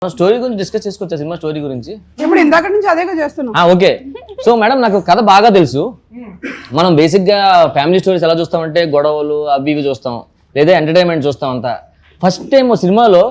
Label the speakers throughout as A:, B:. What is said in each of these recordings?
A: Story గురించి discuss చేసుకోవచ్చా? Cinema story గురించి
B: ఇప్పుడు ఇందాక నుంచి అదేగా చేస్తున్నాం.
A: ఓకే. సో మేడం, నాకు కథ బాగా తెలుసు. మనం బేసిక్ గా ఫ్యామిలీ స్టోరీస్ ఎలా చూస్తామంటే గొడవలు అవి ఇవి చూస్తాం, లేదా ఎంటర్టైన్మెంట్ చూస్తాం అంతా. ఫస్ట్ టైం సినిమాలో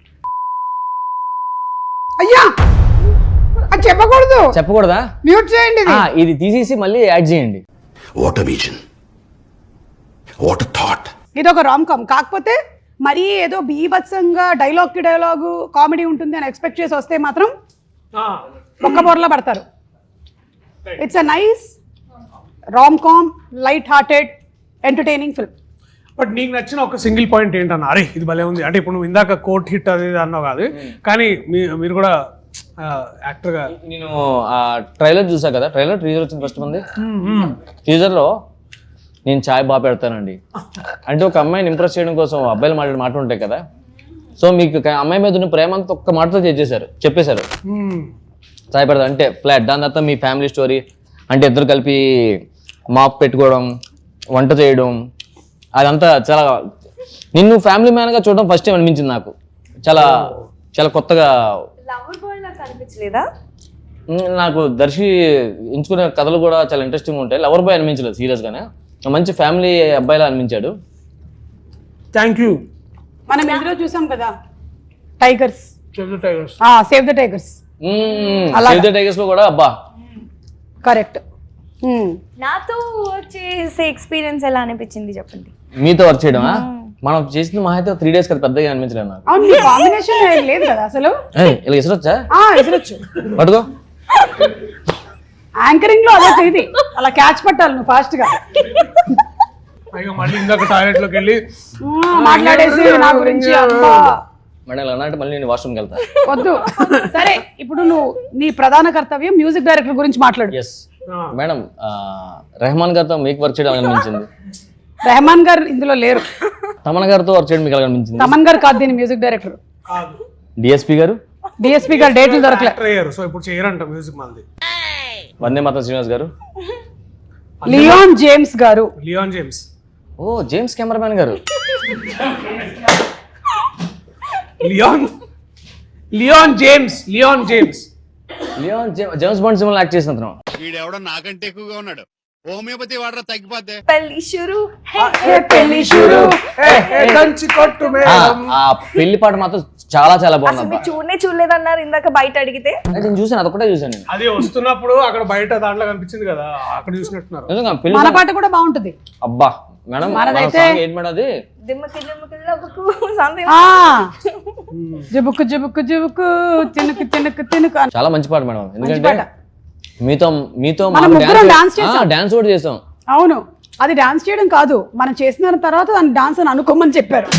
B: అయ్యా అది
A: చెప్పకూడదా?
B: మ్యూట్ చేయండి.
A: ఇది తీసేసి మళ్ళీ యాడ్ చేయండి.
C: What a vision, what a thought.
B: ఇది ఒక రామ్ కామ్, కాకపోతే మరీ ఏదో బీభత్సంగా డైలాగ్ కి డైలాగు కామెడీ ఉంటుంది అని ఎక్స్పెక్ట్ చేసి వస్తే మాత్రం ఒక్క బోర్లా పడతారు. It's a nice rom com, light hearted, entertaining film.
D: But నీకు నచ్చిన ఒక సింగిల్ పాయింట్ ఏంటన్నా? అరే ఇది భలే ఉంది అంటే, ఇప్పుడు నువ్వు ఇందాక కోర్ట్ హిట్ అది అన్నావు కాదు, కానీ మీరు కూడా యాక్టర్గా.
A: నేను ఆ ట్రైలర్ చూసా కదా, టీజర్ వచ్చింది ఫస్ట్ మంది. టీజర్లో నేను చాయ్ బాగా పెడతానండి అంటే ఒక అమ్మాయిని ఇంప్రెస్ చేయడం కోసం అబ్బాయిలు మాట్లాడే మాట ఉంటాయి కదా. సో మీకు అమ్మాయి మీద ఉన్న ప్రేమ అంతా ఒక్క మాటతో చెప్పేశారు చాయ్ పెడతా అంటే ఫ్లాట్. దాని తర్వాత మీ ఫ్యామిలీ స్టోరీ అంటే ఇద్దరు కలిపి మాప్ పెట్టుకోవడం, వంట చేయడం, అదంతా చాలా నిన్ను ఫ్యామిలీ మ్యాన్గా చూడడం ఫస్ట్ టైం అనిపించింది నాకు. చాలా చాలా కొత్తగా. నాకు దర్శి ఎంచుకునే కథలు కూడా చాలా ఇంట్రెస్టింగ్ ఉంటాయి. లవర్ బాయ్ అనిపించలేదు సీరియస్గానే, మంచి ఫ్యామిలీ అబ్బాయిలా అనిపించాడు.
D: Thank you.
B: మనం ఇందులో చూసాం కదా tigers, save the tigers.
A: Save the tigers లో కూడా అబ్బా
B: కరెక్ట్.
E: నాతో చేసే ఎక్స్పీరియన్స్ ఎలా అనిపించింది చెప్పండి.
A: మీతో వర్క్ చేయడమా? మనం చేసిన మా అయితే 3 days కదా, పెద్దగా అనిపించలేదు నాకు.
B: అవును, మీ కాంబినేషన్ లేదు కదా అసలు.
A: ఇలా ఇసరొచ్చా?
B: ఇసరొచ్చు.
A: పట్టుకో.
B: యాంకరింగ్ లో అలా ఇది అలా క్యాచ్ పట్టాలి నువ్వు ఫాస్ట్ గా.
D: మళ్ళీ ఇందాక టాయిలెట్ లోకి వెళ్ళి
B: మాట్లాడేసి నా గురించి
A: మేడం అన్నట్టు మళ్ళీ నేను వాష్రూమ్కి వెళ్తా.
B: వద్దు. సరే, ఇప్పుడు నువ్వు నీ ప్రధాన కర్తవ్యం మ్యూజిక్ డైరెక్టర్ గురించి మాట్లాడు.
A: ఎస్ మేడం, రెహమాన్ గారితో మీకు వర్క్ చేయడం అనిపించింది.
B: రెహమాన్ గారు ఇందులో లేరు.
A: తమన్ గారితో వర్క్ చేయడం మీకు అనిపించింది.
B: తమన్ గారు కాదు దీని మ్యూజిక్ డైరెక్టర్.
A: డిఎస్పీ గారు
B: డేట్లు దొరకలేదు.
D: సో ఇప్పుడు చేయరంట మ్యూజిక్ మంది.
A: వందే మాత్రం శ్రీనివాస్ గారు.
B: లియోన్ జేమ్స్ గారు.
A: ఓ జేమ్స్ కెమెరామ్యాన్ గారు.
D: లియోన్ జేమ్స్
A: జేమ్స్ బాండ్ సినిమాలో యాక్ట్ చేసిన అతను.
C: వీడెవడో నాకంటే ఎక్కువగా ఉన్నాడు. హోమియోపతి వాడరా తగ్గిపోతే.
E: పెళ్లి షురు
A: ఆ పెళ్లి పాట మాత్రం చాలా చాలా బాగుంది.
E: చూడలేదన్నారు ఇందాక బయట అడిగితే.
A: నేను చూసాను, అదొకటే చూసాను నేను.
D: అది వస్తున్నప్పుడు అక్కడ బయట దాంట్లో కనిపించింది కదా, అక్కడ చూసినట్టున్నారు.
B: మన పాట కూడా బాగుంటుంది.
A: అబ్బా మేడం, ఏంటి మేడం అది?
B: జుబుకు జుబుకు జుబుకు తినుకు తినుకు తినుకు.
A: చాలా మంచి పాట మేడం, ఎందుకంటే మీతో డాన్స్ కూడా చేసాం.
B: అవును, అది డాన్స్ చేయడం కాదు, మనం చేసిన తర్వాత దాన్ని డాన్స్ అని అనుకోమని చెప్పారు.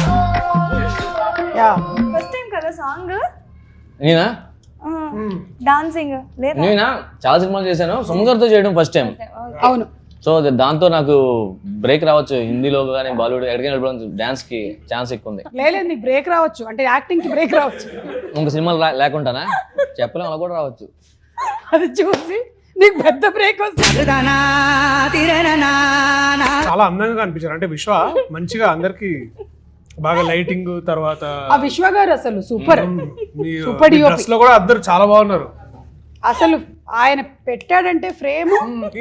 E: ఫస్ట్ టైం కదా సాంగ్.
A: నేనా
E: డాన్సింగ్ లేదా?
A: నేనా చాలా సినిమాలు చేశాను, సుమగారితో చేయడం ఫస్ట్ టైం.
B: అవును.
A: సో దాంతో నాకు బ్రేక్ రావచ్చు, హిందీలో కానీ బాలీవుడ్ ఎక్కడికైనా డాన్స్ కి ఛాన్స్ ఎక్కువ ఉంది.
B: లేదు, నీకు బ్రేక్ రావచ్చు అంటే యాక్టింగ్ కి బ్రేక్ రావచ్చు.
A: ఇంక సినిమాలు లేకుండానా చెప్పలేం, అలా కూడా రావచ్చు.
B: అది చూసి నీకు పెద్ద బ్రేక్ వస్తుంది.
D: చాలా అందంగా కనిపించారు అంటే విశ్వ, మంచిగా అందరికి బాగా లైటింగ్. తర్వాత
B: ఆ విశ్వ గారు అసలు సూపర్.
D: డ్రెస్ లో కూడా అందరు చాలా బాగున్నారు
B: అసలు. ఆయన పెట్టాడంటే ఫ్రేమ్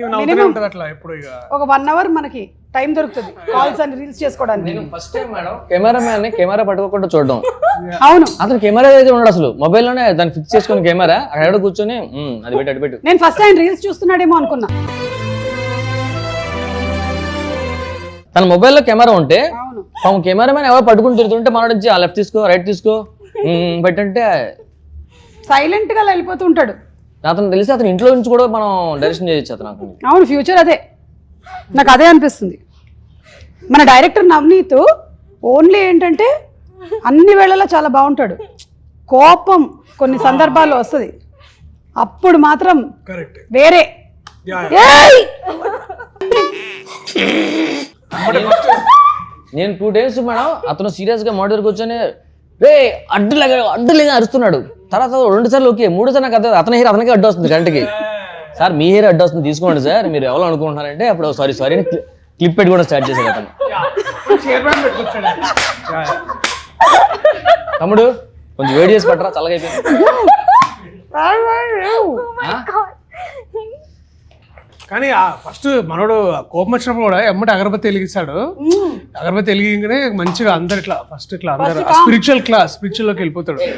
B: ఒక 1 hour మనకి టైం దొరుకుతుంది కాల్స్ అని రీల్స్ చేసుకోవడానికి.
A: నేను ఫస్ట్ టైం మేడం కెమెరా పట్టుకోకుండా చూడడం.
B: అవును,
A: అతను కెమెరా దగ్గర ఉన్నాడు, అసలు మొబైల్లోనే దాన్ని ఫిక్స్ చేసుకుని కెమెరా అక్కడ కూర్చొని అది పెట్టి అటు పెట్టు.
B: నేను ఫస్ట్ ఆయన రీల్స్ చూస్తున్నాడేమో అనుకున్నా.
A: తన మొబైల్లో కెమెరా ఉంటే కెమెరా మ్యాన్ ఎవరు పట్టుకుని తిరుగుతుంటే మన నుంచి లెఫ్ట్ తీసుకో రైట్ తీసుకో పెట్టంటే
B: సైలెంట్ గా వెళ్ళిపోతూ ఉంటాడు.
A: అతను తెలిసి అతను ఇంట్లో నుంచి కూడా మనం డైరెక్షన్ చేయొచ్చు అతను.
B: అవును, ఫ్యూచర్ అదే, నాకు అదే అనిపిస్తుంది. మన డైరెక్టర్ నవనీత్ ఓన్లీ ఏంటంటే అన్ని వేళలా చాలా బాగుంటాడు. కోపం కొన్ని సందర్భాల్లో వస్తుంది, అప్పుడు మాత్రం వేరే.
A: నేను 2 days మేడం అతను సీరియస్ గా మోడర్ కూర్చొని రే అడ్డులేగా అరుస్తున్నాడు. తర్వాత 2 సార్లు ఓకే, 3 సార్లు నాకు అతని హెయిర్ అతనికే అడ్డు వస్తుంది గంటకి. సార్ మీ హెయిర్ అడ్డు వస్తుంది తీసుకోండి సార్, మీరు ఎవరు అనుకుంటున్నారంటే అప్పుడు సారీ అని క్లిప్ పెట్టి కూడా స్టార్ట్ చేశాడు అతను. తమ్ముడు కొంచెం వేడి చేసి పట్టరా, చల్లగైపోయింది.
D: కానీ ఫస్ట్ మనోడు కోపం వచ్చినప్పుడు కూడా ఎమ్మటి అగరబత్తి వెలిగిస్తాడు. అగరబత్తి వెలిగిగానే మంచిగా అందరు ఇట్లా ఫస్ట్ ఇట్లా అందరు స్పిరిచువల్ లోకి వెళ్ళిపోతాడు.